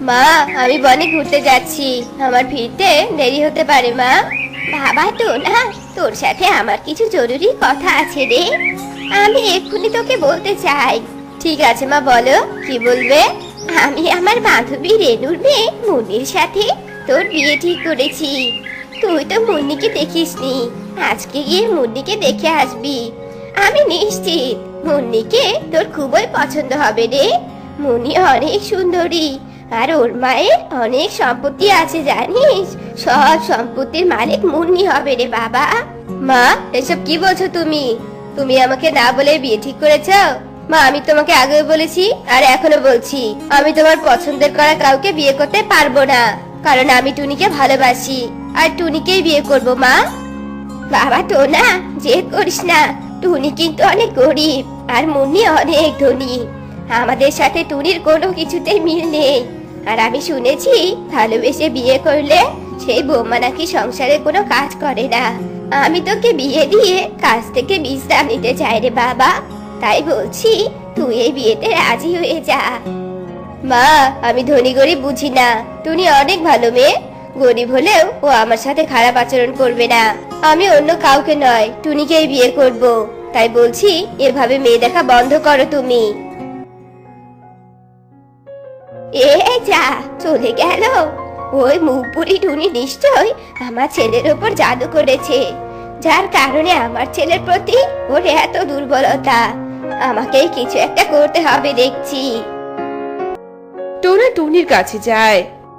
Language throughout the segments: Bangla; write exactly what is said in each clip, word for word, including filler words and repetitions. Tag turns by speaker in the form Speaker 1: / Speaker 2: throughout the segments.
Speaker 1: মা, আমি বনে ঘুরতে যাচ্ছি, আমার ফিরতে দেরি হতে পারে মা। বাবা তো না, তোর সাথে আমার কিছু জরুরি কথা আছে রে, আমি এক্ষুনি তোকে বলতে চাই। ঠিক আছে মা, বলো কি বলবে। আমি আমার বান্ধবী রেনুর মেয়ে মুন্নির সাথে তোর বিয়ে ঠিক করেছি। তুই তো মুন্নিকে দেখিসনি, আজকে গিয়ে মুন্নিকে দেখে আসবি। আমি নিশ্চিত মুন্নিকে তোর খুবই পছন্দ হবে রে। মুন্নি অনেক সুন্দরী, আর ওর মায়ের অনেক সম্পত্তি আছে জানিস। সব সম্পত্তির মালিক মুন্নি হবে রে বাবা। মা, এসব কি বলছো তুমি? তুমি আমাকে না বলে বিয়ে ঠিক করেছো? মা, আমি তোমাকে আগেও বলেছি আর এখনো বলছি, আমি তোমার পছন্দের করা কাউকে বিয়ে করতে পারবো না, কারণ আমি টুনিকে ভালোবাসি আর টুনিকেই বিয়ে করব। মা। বাবা তো না, যে করিস না, টুনি কিন্তু অনেক গরিব আর মুন্নি অনেক ধনী। আমাদের সাথে টুনির কোনো কিছুতেই মিল নেই। আর আমি শুনেছি ভালোবেসে বিয়ে করলে সেই বৌমা নাকি সংসারে কোনো কাজ করে না। আমি তোকে বিয়ে দিয়ে কাজ থেকে বিশ্রাম নিতে চাই রে বাবা, তাই বলছি তুই এই বিয়েতে রাজি হয়ে যা। মা, আমি ধনী গরিব বুঝি না, টুনি অনেক ভালো মেয়ে, গরিব হলেও ও আমার সাথে খারাপ আচরণ করবে না। আমি অন্য কাউকে নয়, টুনিকেই বিয়ে করব। তাই বলছি এভাবে মেয়ে দেখা বন্ধ করো তুমি। এ যা, চলে গেল। ওই মুখপুরি টুনি নিশ্চয় আমার ছেলের উপর জাদু করেছে, যার কারণে আমার ছেলের প্রতি ওর এত দুর্বলতা। আমাকেই কিছু একটা করতে হবে দেখছি।
Speaker 2: টোনা টুনির কাছে যায়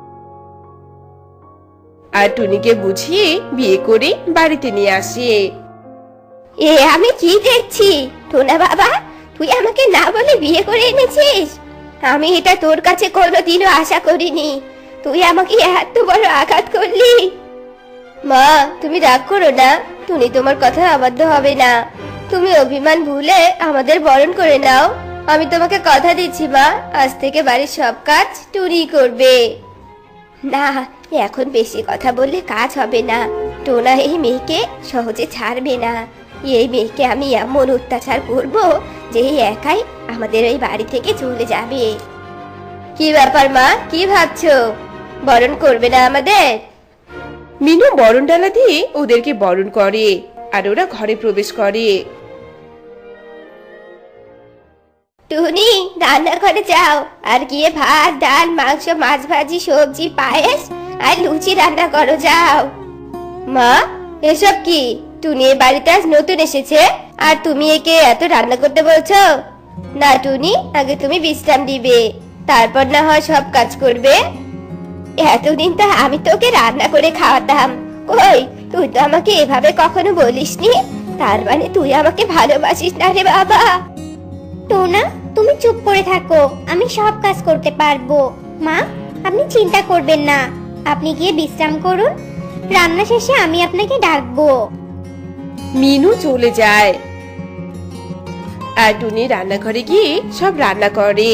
Speaker 2: আর টুনিকে বুঝিয়ে বিয়ে করে বাড়িতে নিয়ে আসে।
Speaker 1: এ আমি কি দেখছি? টোনা বাবা, তুই আমাকে না বলে বিয়ে করে এনেছিস? আমি এটা তোর কাছে কোনোদিনও আশা করিনি। তুই আমাকে এত বড় আঘাত করলি। মা, তুমি রাগ করো না, টুনি তোমার কথা অবাধ্য হবে না। তুমি অভিমান ভুলে আমাদের বরণ করে নাও। আমি তোমাকে কথা দিচ্ছি মা, আজ থেকে বাড়ির সব কাজ টুনি করবে। না, এখন বেশি কথা বললে কাজ হবে না। টোনা এই মেয়েকে সহজে ছাড়বে না। এই মেয়েকে আমি এমন অত্যাচার করব যে একাই আমাদের ওই বাড়ি থেকে চলে যাবে। কি ব্যাপার মা, কি ভাবছো? বরণ করবে না আমাদের?
Speaker 2: মিনু বরণ ডালা দিয়ে ওদেরকে বরণ করে আর ওরা ঘরে প্রবেশ করে।
Speaker 1: টুনি, রান্নাঘরে যাও আর গিয়ে ভাত, ডাল, মাংস, মাছ ভাজি, সবজি, পায়েস আর লুচি রান্না করো, যাও। মা, এসব কি? টুনি এই বাড়িতে আজ নতুন এসেছে আর তুমি একে এত রান্না করতে বলছো? না টুনি, আগে তুমি বিশ্রাম দিবে, তারপর না হয় সব কাজ করবে। এতদিন তো আমি তোকে রান্না করে খাওয়াতাম, কই তুই তো আমাকে এভাবে কখনো বলিসনি। তার মানে তুই আমাকে ভালোবাসিস না রে বাবা।
Speaker 3: টোনা, তুমি চুপ করে থাকো, আমি সব কাজ করতে পারবো। মা, আপনি চিন্তা করবেন না, আপনি গিয়ে বিশ্রাম করুন, রান্না শেষে আমি আপনাকে ডাকবো।
Speaker 2: মিনু চলে যায় আর টুনি রান্নাঘরে গিয়ে সব রান্না করে।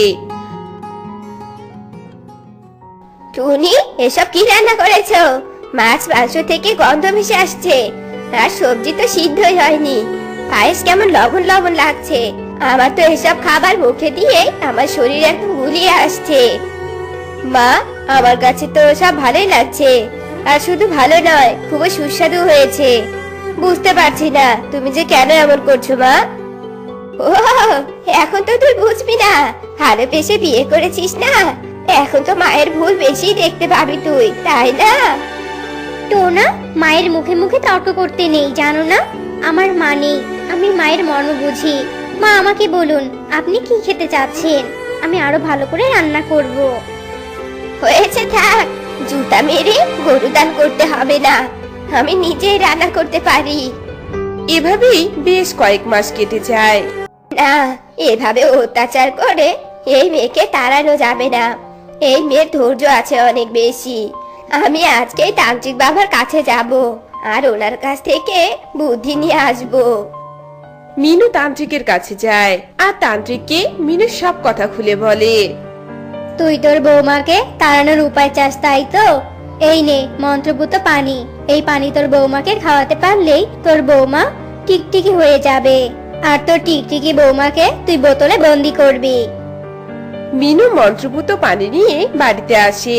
Speaker 1: টুনি, এসব কি রান্না করেছো? মাছ মাংস থেকে গন্ধ ভেসে আসছে, আর সবজি তো সিদ্ধই হয়নি। পায়েস কেমন লবণ লবণ লাগছে। আমার তো এসব খাবার মুখে দিয়ে আমার শরীর একদম গুলিয়ে আসছে। মা, আমার কাছে তো সব ভালোই লাগছে, আর শুধু ভালো নয়, খুবই সুস্বাদু হয়েছে। বুঝতে পারছি না তুমি যে কেন এমন করছো মা। ও, এখন তো তুই বুঝবি না, ভালোবেসে বিয়ে করেছিস না, এখন তো মায়ের ভুল বেশি দেখতে পাবি তুই, তাই না?
Speaker 3: টোনা, মায়ের মুখে মুখে তর্ক করতে নেই, জানো না আমার মা নেই, আমি মায়ের মর্ম বুঝি। মা, আমাকে বলুন আপনি কি খেতে চাচ্ছেন, আমি আরো ভালো করে রান্না করব।
Speaker 1: হয়েছে, থাক, জুতা মেরে গরু দান করতে হবে না, আমি নিজেই রান্না করতে পারি।
Speaker 2: এভাবেই বেশ কয়েক মাস কেটে যায়।
Speaker 1: না, এভাবে অত্যাচার করে এই মেয়েকে তাড়ানো যাবে না। এই মেয়ের ধৈর্য আছে অনেক বেশি। আমি আজকেই তান্ত্রিক বাবার কাছে যাব আর ওনার কাছ থেকে বুদ্ধি নিয়ে আসবো।
Speaker 2: মিনু তান্ত্রিকের কাছে যায় আর তান্ত্রিককে মিনু সব কথা খুলে বলে।
Speaker 3: তুই তোর বৌমাকে তাড়ানোর উপায় চাস, তাই তো? এই নে মন্ত্রপুত পানি, এই পানি তোর বৌমাকে খাওয়াতে পারলেই তোর বৌমা টিকটিকি হয়ে যাবে, আর তোর টিকটিকি বৌমাকে তুই বোতলে বন্দি করবি।
Speaker 2: মিনু মন্ত্রপুত পানি নিয়ে বাড়িতে আসে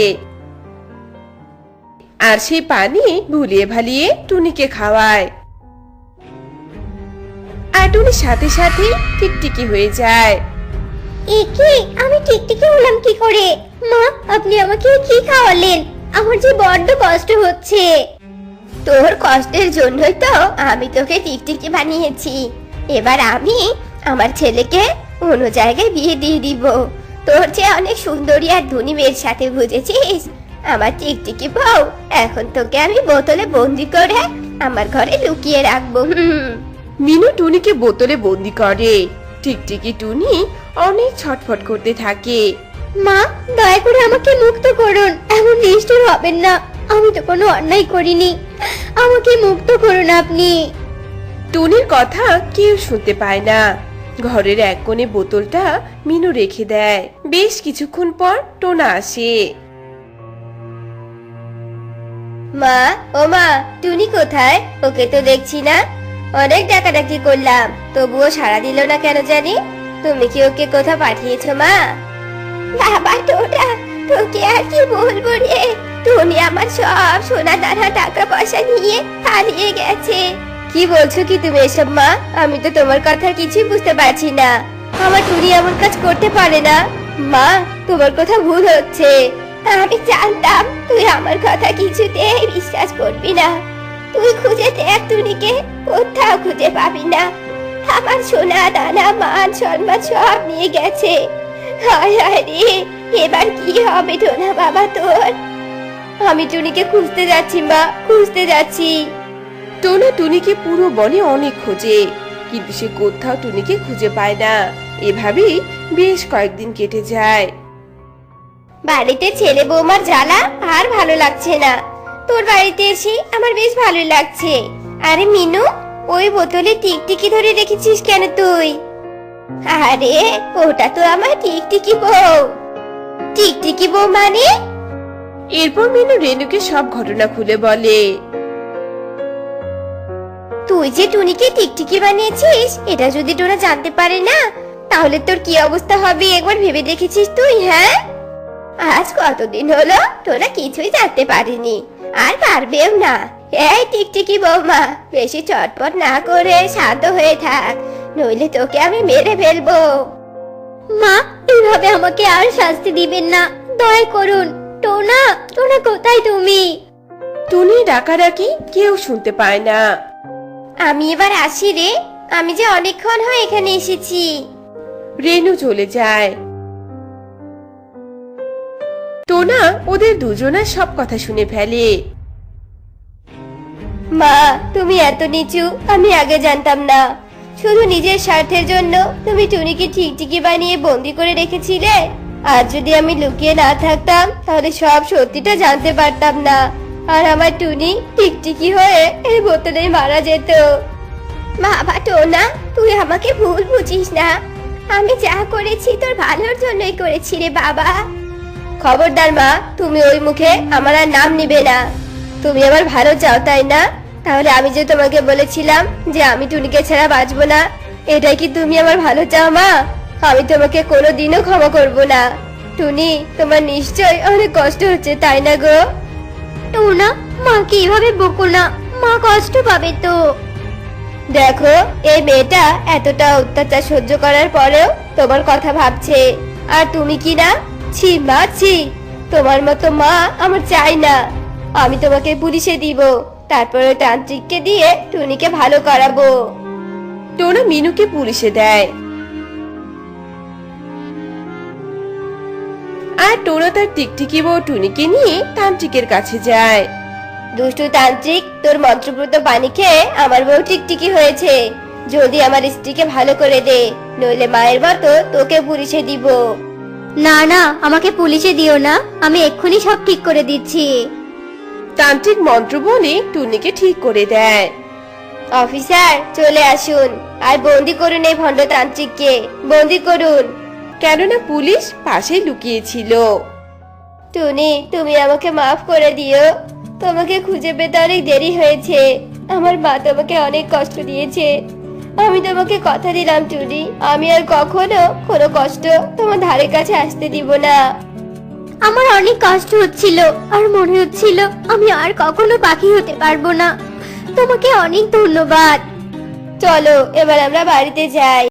Speaker 2: আর সেই পানি ভুলিয়ে ভালিয়ে টুনিকে খাওয়ায়। আর টুনি সাথে সাথে টিকটিকি হয়ে যায়।
Speaker 3: একে আমি টিকটিকি হলাম কি করে? মা, আপনি আমাকে কি খাওয়ালেন? আমার যে বড্ড কষ্ট হচ্ছে।
Speaker 1: তোর কষ্টের জন্যই তো আমি তোকে টিকটিকি বানিয়েছি। এবার আমি আমার ছেলেকে অন্য জায়গায় বিয়ে দিয়ে দিব। তোর যে অনেক সুন্দরী আর ধনী মেয়ের সাথে বুঝেছিস? আমার টিকটিকি বউ, এখন তোকে আমি বোতলে বন্দি করে আমার ঘরে লুকিয়ে রাখবো। হুম।
Speaker 2: মিনু টুনিকে বোতলে বন্দি করে। টিকটিকি টুনি অনেক ছটফট করতে থাকে।
Speaker 3: মা, দয়া করে আমাকে মুক্ত করুন। এমন নিষ্ঠুর হবেন না। আমি তো কোনো অন্যায় করিনি। আমাকে মুক্ত করুন আপনি।
Speaker 2: টুনির কথা কেউ শুনতে পায় না। ঘরের এক কোণে বোতলটা মিনু রেখে দেয়। বেশ কিছুক্ষণ পর টোনা আসে।
Speaker 1: মা, ও মা, টুনি কোথায়? ওকে তো দেখছি না। অনেক ডাকাডাকি করলাম, তবুও সাড়া দিল না কেন জানি। তুমি কি ওকে কোথাও পাঠিয়েছো মা? বাবা টোনা, তোকে আর কি বলবো রে। টুনি আমার সব সোনা দানা টাকা পয়সা নিয়ে পালিয়ে গেছে। কি বলছো কি তুমি এসব মা? আমি তো তোমার কথা কিছুই বুঝতে পারছি না। আমার টুনি এমন কাজ করতে পারে না। মা, তোমার কথা ভুল হচ্ছে। আমি জানতাম তুই আমার কথা কিছুতেই বিশ্বাস করবি না। তুই খুঁজে দেখ টুনিকে, কোথাও খুঁজে পাবি না। আমার সোনা দানা মান সম্মান সব নিয়ে গেছে। হায় হায় রে, এবার কি হবে টোনা বাবা তোর? আমি টুনিকে খুঁজতে যাচ্ছি মা, খুঁজতে যাচ্ছি।
Speaker 2: টোনা টুনিকে পুরো বনে অনেক খোঁজে, কিন্তু সে কোথাও টুনিকে খুঁজে পায় না। এভাবেই বেশ কয়েকদিন কেটে যায়।
Speaker 1: বাড়িতে ছেলে বৌমার জ্বালা আর ভালো লাগছে না। তোর বাড়িতে এসে আমার বেশ ভালোই লাগছে। আরে মিনু, ওই বোতলে টিকটিকি ধরে রেখেছিস কেন তুই? আরে ওটা তো আমার টিকটিকি বউ। টিকটিকি বউ মানে?
Speaker 2: এরপর মিনু রেনুকে সব ঘটনা খুলে বলে।
Speaker 1: তুই যে টুনিকে টিকটিকি বানিয়েছিস, এটা যদি টোনা জানতে পারে না, তাহলে তোর কি অবস্থা হবে একবার ভেবে দেখেছিস তুই? হ্যাঁ, আজ কতদিন হলো টোনা কিছুই জানতে পারিনি, আর পারবেও না। এই টিকটিকি বৌমা, বেশি চটপট না করে শান্ত হয়ে থাক, নইলে তোকে আমি মেরে ফেলবো।
Speaker 3: মা, এইভাবে আমাকে আর শাস্তি দিবেন না, দয়া করুন। টোনা, টোনা কোথায় তুমি?
Speaker 2: টুনি ডাকাডাকি কেউ শুনতে পায় না।
Speaker 1: আমি এবার আসি রে, আমি যে অনেকক্ষণ হয় এখানে এসেছি।
Speaker 2: রেনু চলে যায়। টোনা ওদের দুজনের সব কথা শুনে ফেলে।
Speaker 1: মা, তুমি এত নিচু আমি আগে জানতাম না। শুধু নিজের স্বার্থের জন্য তুমি টুনিকে টিকটিকি বানিয়ে বন্দি করে রেখেছিলে। আর যদি আমি লুকিয়ে না থাকতাম, তাহলে সব সত্যিটা জানতে পারতাম না, আর আমার টুনি টিকটিকি হয়ে এই বোতলে মারা যেত। বাবা টোনা, তুই আমাকে ভুল বুঝিস না। আমি যা করেছি তোর ভালোর জন্যই করেছি রে বাবা। খবরদার মা, তুমি ওই মুখে আমার আর নাম নিবে না। তুমি আমার ভালো চাও তাই না? তাহলে আমি যে তোমাকে বলেছিলাম যে আমি টুনিকে ছাড়া বাঁচবো না, এটাই কি তুমি আমার ভালো চাও মা? আমি তোমাকে কোনোদিনও ক্ষমা করব না। টুনি, তোমার নিশ্চয় অনেক কষ্ট হচ্ছে তাই না গো?
Speaker 3: টোনা, মাকে এভাবে বকো না, মা কষ্ট পাবে তো।
Speaker 1: দেখো, এই মেয়েটা এতটা অত্যাচার সহ্য করার পরেও তোমার কথা ভাবছে, আর তুমি কি না? ছি মা, ছি। তোমার মতো মা আমার চাই না। আমি তোমাকে পুলিশে দিব, তারপরে তান্ত্রিককে দিয়ে টুনিকে ভালো করাবো।
Speaker 2: টোনা মিনুকে পুলিশে দেয়। আর টোনা তার টিকটিকি বউ টুনিকে নিয়ে তান্ত্রিকের কাছে যায়।
Speaker 1: দুষ্টু তান্ত্রিক, তোর মন্ত্রপ্রত পানি খেয়ে আমার বউ টিকটিকি হয়েছে। যদি আমার স্ত্রীকে ভালো করে দে, নইলে মায়ের মতো তোকে পুলিশে দিব।
Speaker 3: না না, আমাকে পুলিশে দিও না, আমি এক্ষুনি সব ঠিক করে দিচ্ছি।
Speaker 2: তান্ত্রিক মন্ত্র বলে টুনিকে ঠিক করে দেয়।
Speaker 1: অফিসার চলে আসুন, আর বন্দি করুন এই ভণ্ড তান্ত্রিককে, বন্দি করুন।
Speaker 2: কেননা পুলিশ পাশে লুকিয়েছিল।
Speaker 1: টুনি, তুমি আমাকে মাফ করে দিও। তোমাকে খুঁজে পেতে অনেক দেরি হয়েছে। আমার মা তোমাকে অনেক কষ্ট দিয়েছে। আমি তোমাকে কথা দিলাম টুনি, আমি আর কখনো কোনো কষ্ট তোমার ধারে কাছে আসতে দিব না।
Speaker 3: আমার অনেক কষ্ট হচ্ছিল আর মনে হচ্ছিল আমি আর কখনো পাখি হতে পারবো না। তোমাকে অনেক ধন্যবাদ।
Speaker 1: চলো এবার আমরা বাড়িতে যাই।